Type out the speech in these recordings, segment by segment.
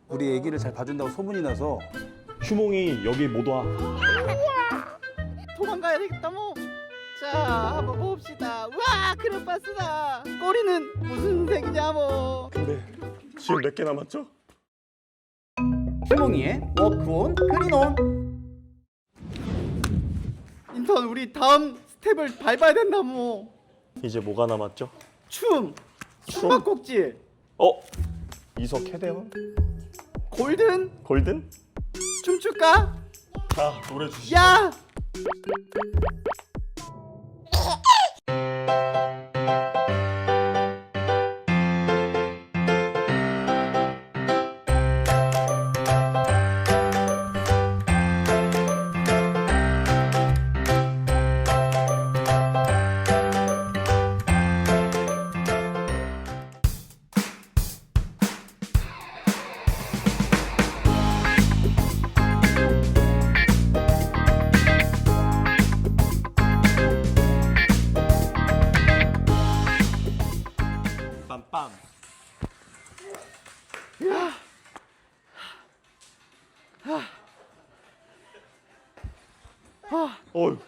우리 애기를 잘 봐준다고 소문이 나서. 휴몽이 여기 못 와. 도망가야 되겠다 뭐. 자 한번 봅시다. 우와 크레파스다. 꼬리는 무슨 색이냐 뭐. 근데 지금 몇 개 남았죠? 휴몽이의 워크온 클린온. 인턴 우리 다음 스텝을 밟아야 된다 뭐. 이제 뭐가 남았죠? 춤. 숨바꼭질. 이석 캐대원? 골든. 골든? 춤출까? 자, 노래 주시죠. 야. 빰빰. 어휴.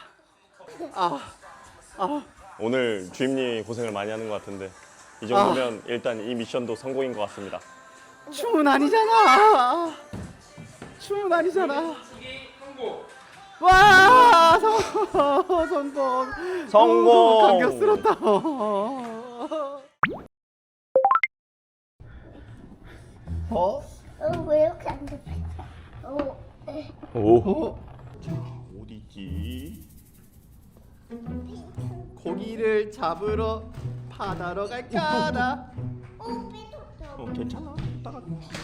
오늘 주임님이 고생을 많이 하는 것 같은데 이 정도면 일단 이 미션도 성공인 것 같습니다. 춤은 아니잖아. 춤은 아니잖아. 와 성공. 성공. 감격스럽다. 왜 이렇게 안 돼? 오. 자, 어디지? 고기를 잡으러 바다로 갈까나. 괜찮아. 이따가.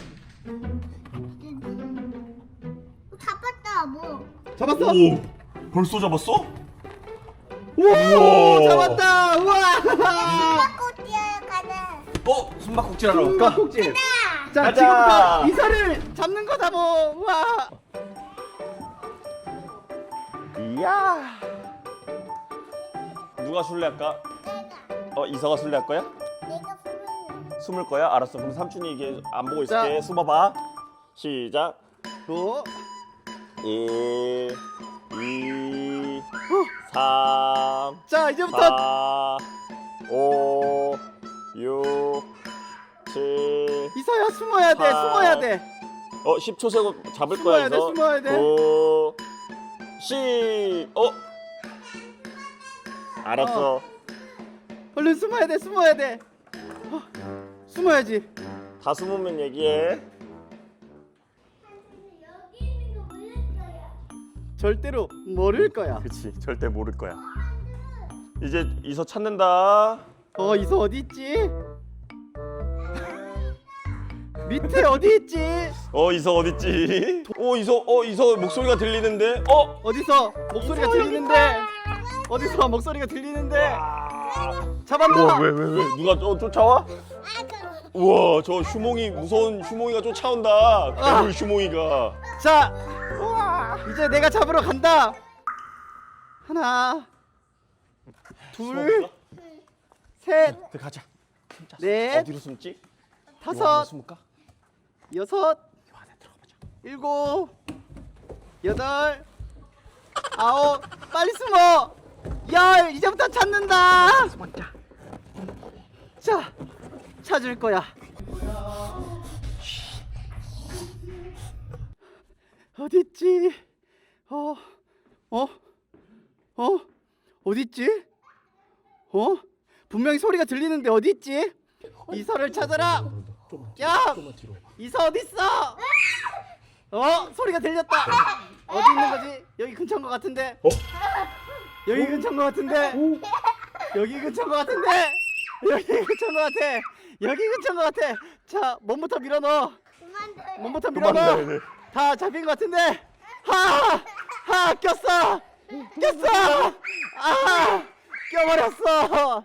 잡았다 뭐. 잡았어? 오. 벌써 잡았어? 우와 잡았다. 우와. 꼬치야 가자. 숨바꼭질하러 숨바꼭질. 자 가자. 지금부터 이사를 잡는 거다 뭐. 우와. 이야. 누가 술래 할까? 내가 이서가 술래 할 거야? 내가 부르는. 숨을 거야? 알았어. 그럼 삼촌이 이게 안 보고 자. 있을게. 숨어봐. 시작. 또 1, 2, 3, 자 이제부터 4, 5, 6, 7. 이서야 숨어야 돼. 사. 숨어야 돼. 10초 세고 잡을 숨어야 거야, 돼, 이서. 숨어야 돼. 9, 10. 알았어. 얼른 숨어야 돼. 숨어야 돼. 숨어야지. 다 숨으면 얘기해. 여기 있는 거 모를 거야. 절대로 모를 거야. 그치, 절대 모를 거야. 이제 이서 찾는다. 이서 어디 있지? 밑에 어디 있지? 이서 어딨지? 이서 목소리가 들리는데? 어디서 목소리가 이서 들리는데? 어디서 목소리가 들리는데? 잡았다. 왜? 누가 쫓아와? 우와, 저 무서운 휴몽이가 쫓아온다. 괴물 휴몽이가. 자, 이제 내가 잡으러 간다. 하나, 둘, 셋, 가자. 넷, 어디로 숨지? 다섯, 숨을까? 여섯, 이 안에 들어가보자. 일곱, 여덟, 아홉. 빨리 숨어. 열. 이제부터 찾는다. 숨었자. 자, 찾을 거야. 어딨지? 어딨지? 분명히 소리가 들리는데 어딨지? 이서를 찾아라. 야, 이서 어딨어? 소리가 들렸다. 어디 있는 거지? 여기 근처인 것 같은데. 여기 근처인 것 같은데. 여기 근처인 것 같은데. 여기 근처인 것 같아. 여기 근처인 것 같아. 자, 몸부터 밀어넣어. 그만둬. 몸부터 밀어넣어. 다 잡힌 것 같은데. 꼈어. 껴버렸어.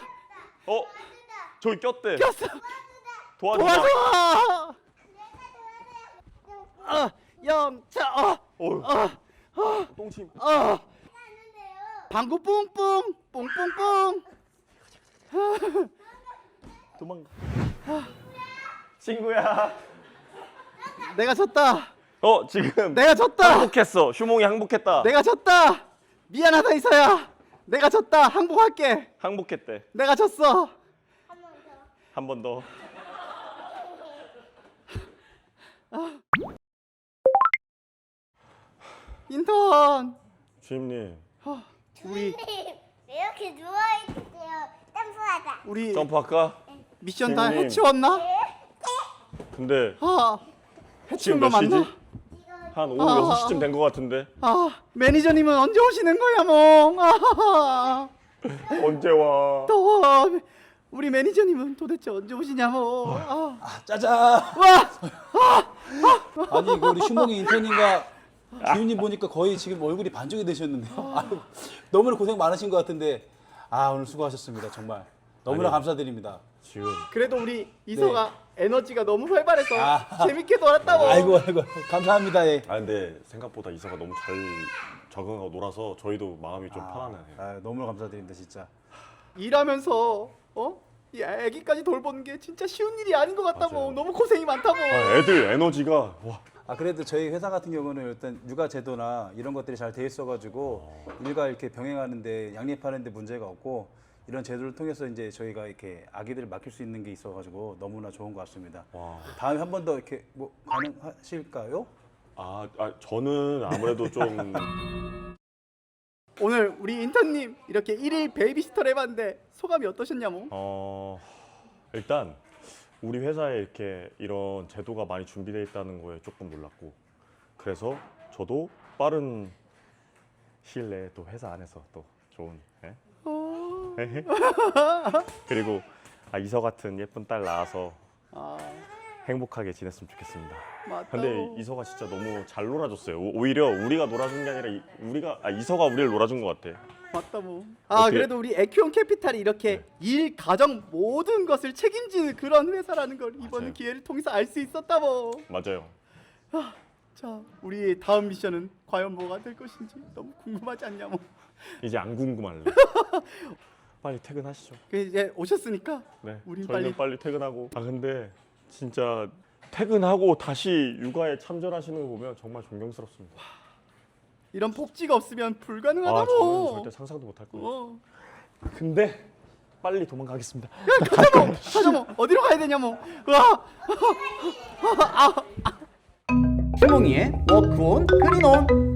저기 꼈대. 꼈어. 도와주자. 도와줘. 영차. 똥침. 방구 뿡뿡 뿡뿡뿡. 도망가. 친구야. 내가 졌다. 지금 내가 졌다. 항복했어. 휴몽이 항복했다. 내가 졌다. 미안하다 이서야. 내가 졌다. 항복할게. 항복했대. 내가 졌어. 한 번 더. 인턴. 주임님 우리 왜 이렇게 누워있어요? 점프하자. 우리 점프할까? 미션 다 주임님. 해치웠나? 근데 해치운 지금 거 몇 시지? 맞나? 한 오후 6시쯤 된 것 같은데. 매니저님은 언제 오시는 거야, 몽? 언제 와? 더워. 우리 매니저님은 도대체 언제 오시냐, 몽? 짜잔. 와, 아니 이거 우리 휴몽이 인턴님과 기훈님 보니까 거의 지금 얼굴이 반쪽이 되셨는데요. 아유, 너무나 고생 많으신 것 같은데 오늘 수고하셨습니다. 정말 너무나 아니요. 감사드립니다. 지금 그래도 우리 이서가 에너지가 너무 활발해서 재밌게 네. 놀았다고. 아이고 감사합니다. 예. 근데 생각보다 이서가 너무 잘 적응하고 놀아서 저희도 마음이 좀 편하네요. 너무나 감사드립니다 진짜. 일하면서 이 애기까지 돌보는 게 진짜 쉬운 일이 아닌 것 같다고. 맞아요. 너무 고생이 많다고. 애들 에너지가 와. 그래도 저희 회사 같은 경우는 일단 육아 제도나 이런 것들이 잘 돼 있어가지고 일과 이렇게 병행하는데 양립하는데 문제가 없고 이런 제도를 통해서 이제 저희가 이렇게 아기들을 맡길 수 있는 게 있어가지고 너무나 좋은 것 같습니다. 와. 다음에 한 번 더 이렇게 뭐 가능하실까요? 저는 아무래도 좀 오늘 우리 인턴님 이렇게 1일 베이비시터를 해봤는데 소감이 어떠셨냐모? 일단 우리 회사에 이렇게 이런 제도가 많이 준비되어 있다는 거에 조금 놀랐고, 그래서 저도 빠른 시일 내에 또 회사 안에서 또 좋은 그리고 이서 같은 예쁜 딸 낳아서 행복하게 지냈으면 좋겠습니다. 맞다고. 근데 이서가 진짜 너무 잘 놀아줬어요. 오히려 우리가 놀아준 게 아니라 이서가 우리를 놀아준 것 같아. 맞다고. 어떻게- 그래도 우리 에큐온 캐피탈이 이렇게 일, 가정 모든 것을 책임지는 그런 회사라는 걸 이번 맞아요. 기회를 통해서 알 수 있었다고. 맞아요. 자, 우리 다음 미션은 과연 뭐가 될 것인지 너무 궁금하지 않냐모? 이제 안 궁금할래. 빨리 퇴근하시죠. 이제 오셨으니까 네, 우린 저희는 빨리 퇴근하고. 근데 진짜 퇴근하고 다시 육아에 참전하시는 거 보면 정말 존경스럽습니다. 이런 복지가 없으면 저는 불가능하다고. 절대 상상도 못할 거예요. 어. 근데 빨리 도망가겠습니다. 가자모. 어디로 가야 되냐모? 와. 휴몽이의 워크온 클린온.